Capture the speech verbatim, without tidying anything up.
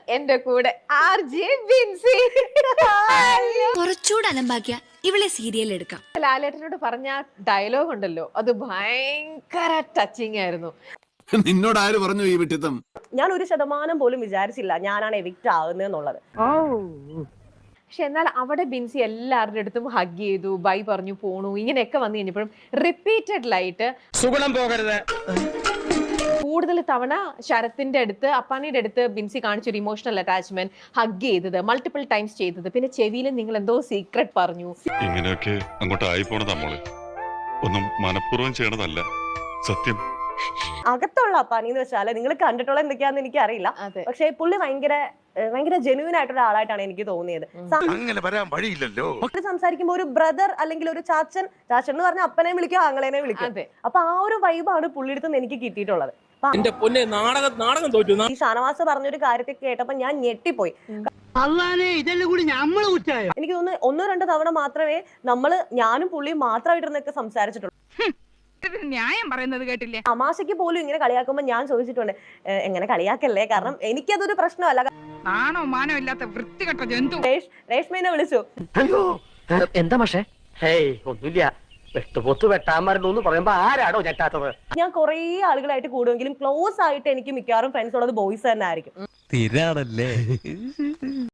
എന്റെ കൂടെ R J Binsi. കുറച്ചുകൂടെ അലമ്പാക്കിയ ഇവളെ സീരിയൽ എടുക്കാം. ലാലേട്ടനോട് പറഞ്ഞ ഡയലോഗ് ഉണ്ടല്ലോ, അത് ഭയങ്കര ടച്ചിങ് ആയിരുന്നു. നിന്നോട് ആര് പറഞ്ഞു ഈ വിട്ടിത്തം? ഞാൻ ഒരു ശതമാനം പോലും വിചാരിച്ചില്ല ഞാനാണ് എവിക്റ്റ് ആകുന്നതെന്നുള്ളത്. പക്ഷെ എന്നാൽ അവിടെ ബിൻസി എല്ലാവരുടെ അടുത്തും ഹഗ് ചെയ്തു, ബൈ പറഞ്ഞു, പോണു, ഇങ്ങനെയൊക്കെ വന്നു കഴിഞ്ഞപ്പോഴും റിപ്പീറ്റഡ്ലായിട്ട് സുഗുണം പോകരുത് കൂടുതൽ തവണ ശരത്തിന്റെ അടുത്ത് അപ്പാനിയുടെ അടുത്ത് ബിൻസി കാണിച്ചൊരു ഇമോഷണൽ അറ്റാച്ച്മെന്റ്, ഹഗ് ചെയ്തത് മൾട്ടിപ്പിൾ ടൈംസ് ചെയ്തത്, പിന്നെ ചെവിയിൽ നിങ്ങൾ എന്തോ സീക്രട്ട് പറഞ്ഞു. ഇങ്ങനെയൊക്കെ അങ്ങോട്ട് ആയി പോണതാ മോളെ, ഒന്നും മനഃപൂർവ്വം ചെയ്യണതല്ല സത്യം. അകത്തുള്ള അപ്പാനി എന്ന് വെച്ചാൽ നിങ്ങൾ കണ്ടിട്ടുള്ള എന്തൊക്കെയാന്ന് എനിക്ക് അറിയില്ല, പക്ഷെ പുള്ളി ഭയങ്കര ഭയങ്കര ജെന്യൂൻ ആയിട്ടുള്ള ആളായിട്ടാണ് എനിക്ക് തോന്നിയത്. അങ്ങനെ വരാൻ വഴിയില്ലല്ലോ. സംസാരിക്കുമ്പോൾ ഒരു ബ്രദർ അല്ലെങ്കിൽ ഒരു ചാച്ചൻ, ചാച്ചൻ എന്ന് പറഞ്ഞാൽ അപ്പനെ വിളിക്കും ആങ്ങളേനെ വിളിക്കും. അപ്പൊ ആ ഒരു വൈബാണ് പുള്ളിയുടെ നിന്ന് എനിക്ക് കിട്ടിയിട്ടുള്ളത്. ഈ ഷാനവാസ് പറഞ്ഞൊരു കാര്യത്തെ കേട്ടപ്പോ ഞാൻ ഞെട്ടിപ്പോയി. എനിക്ക് തോന്നുന്നു ഒന്നോ രണ്ടോ തവണ മാത്രമേ നമ്മള് ഞാനും പുള്ളിയും മാത്രമായിട്ടിരുന്നൊക്കെ സംസാരിച്ചിട്ടുള്ളൂ. ന്യായം പറയുന്നത് കേട്ടില്ലേ? തമാശയ്ക്ക് പോലും ഇങ്ങനെ കളിയാക്കുമ്പോ ഞാൻ ചോദിച്ചിട്ടുണ്ട്, എങ്ങനെ കളിയാക്കല്ലേ, കാരണം എനിക്കതൊരു പ്രശ്നമല്ല. നാണോ മാനോ ഇല്ലാത്ത വൃത്തികെട്ട ജന്തു. രേഷ്മേനെ വിളിച്ചു. അയ്യോ എന്താ പക്ഷേ ഒന്നുമില്ല, വെട്ടുപൊത്ത് വെട്ടാൻ പറയുമ്പോ ആരാടോ ഞെട്ടാത്തത്? ഞാൻ കുറേ ആളുകളായിട്ട് കൂടുമെങ്കിലും ക്ലോസ് ആയിട്ട് എനിക്ക് മിക്കവാറും ഫ്രണ്ട്സ് ഉള്ളത് ബോയ്സ് തന്നെ ആയിരിക്കും.